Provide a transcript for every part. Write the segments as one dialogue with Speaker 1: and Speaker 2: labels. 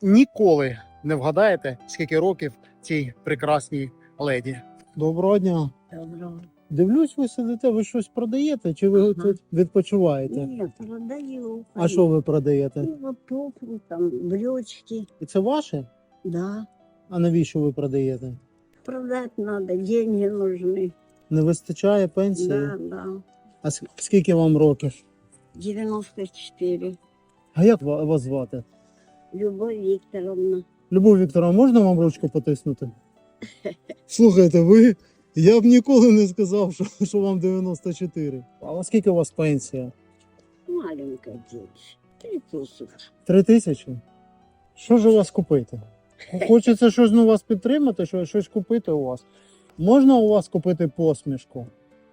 Speaker 1: ніколи не вгадаєте, скільки років цій прекрасній леді. Доброго дня.
Speaker 2: Доброго.
Speaker 1: Дивлюсь, ви сидите, ви щось продаєте, чи ви тут відпочиваєте?
Speaker 2: Нет, продаю.
Speaker 1: А що ви продаєте?
Speaker 2: Ну, вот туфли, там, брючки.
Speaker 1: І це ваше?
Speaker 2: Да.
Speaker 1: А навіщо ви продаєте?
Speaker 2: Продать надо, деньги нужны.
Speaker 1: Не вистачає пенсії?
Speaker 2: Да, да.
Speaker 1: А скільки вам років?
Speaker 2: 94.
Speaker 1: А як вас звати?
Speaker 2: Любовь Викторовна.
Speaker 1: Любов Вікторовна, можна вам ручку потиснути? Слухайте, я б ніколи не сказав, що вам 94. А скільки у вас пенсія?
Speaker 2: Маленькая девочка. 3000.
Speaker 1: 3000? Що ж у вас купити? Хочеться щось на вас підтримати, щось купити у вас. Можна у вас купити посмішку?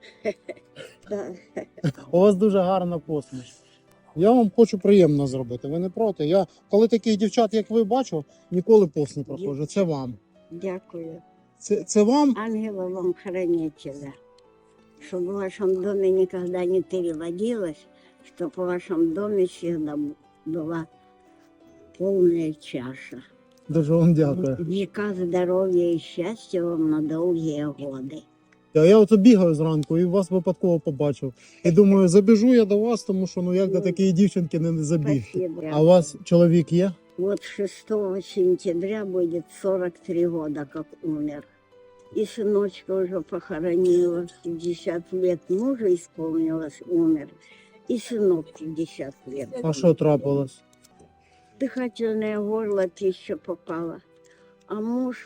Speaker 2: Да.
Speaker 1: У вас дуже гарна посмішка. Я вам хочу приємно зробити, ви не проти? Я, коли таких дівчат, як ви, бачу, ніколи повз не проходжу. Це вам.
Speaker 2: Дякую.
Speaker 1: Це вам?
Speaker 2: Ангела вам хранителя. Чтобы в вашем доме никогда не переводилось, чтобы в вашем доме всегда была полная чаша.
Speaker 1: Дуже вам дякую.
Speaker 2: Века здоровья и счастья вам на долгие годы.
Speaker 1: Я ото бігаю зранку і вас випадково побачив. І думаю, забіжу я до вас, тому що як до такої дівчинки не забіг.
Speaker 2: Спасибо.
Speaker 1: А у вас чоловік є?
Speaker 2: Вот 6 сентября будет 43 года, как умер. И сыночка уже похоронила. 50 лет мужа исполнилось, умер. И сынок 50 лет.
Speaker 1: А що трапилось?
Speaker 2: Дыхательное горло еще попало. А муж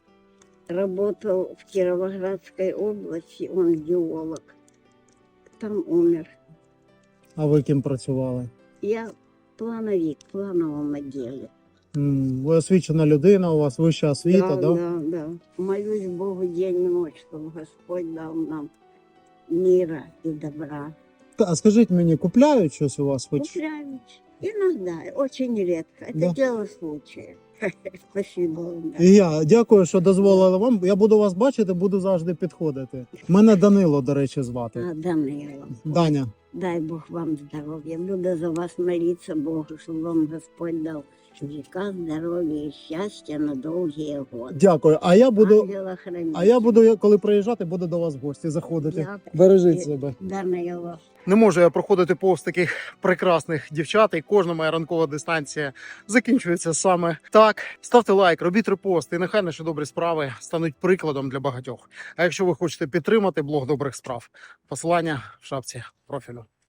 Speaker 2: работал в Кировоградской области, он геолог. Там умер.
Speaker 1: А ви ким працювали?
Speaker 2: Я плановик в плановом отделе.
Speaker 1: Ви освічена людина, у вас вища освіта, да?
Speaker 2: Да. Молюсь Богу день и ночь, чтобы Господь дал нам мира и добра.
Speaker 1: А скажіть мені, купляють щось у вас? Хоч?
Speaker 2: Купляют. Иногда, очень редко. Это
Speaker 1: Да.
Speaker 2: дело случая. Спасибо вам.
Speaker 1: І я дякую, що дозволили вам. Я буду вас бачити, буду завжди підходити. Мене Данило, до речі, звати.
Speaker 2: Данила.
Speaker 1: Даня.
Speaker 2: Дай Бог вам здоровья. Буду за вас молиться Богу, чтобы вам Господь дал века здоровья и счастья на долгие годы.
Speaker 1: Дякую. А я буду,
Speaker 2: Ангела-хранителя.
Speaker 1: коли приїжджати, буду до вас в гості заходити.
Speaker 2: Дякую.
Speaker 1: Бережіть себе.
Speaker 2: Данила.
Speaker 1: Не можу я проходити повз таких прекрасних дівчат, і кожна моя ранкова дистанція закінчується саме так. Ставте лайк, робіть репост, і нехай наші добрі справи стануть прикладом для багатьох. А якщо ви хочете підтримати блог добрих справ, посилання в шапці профілю.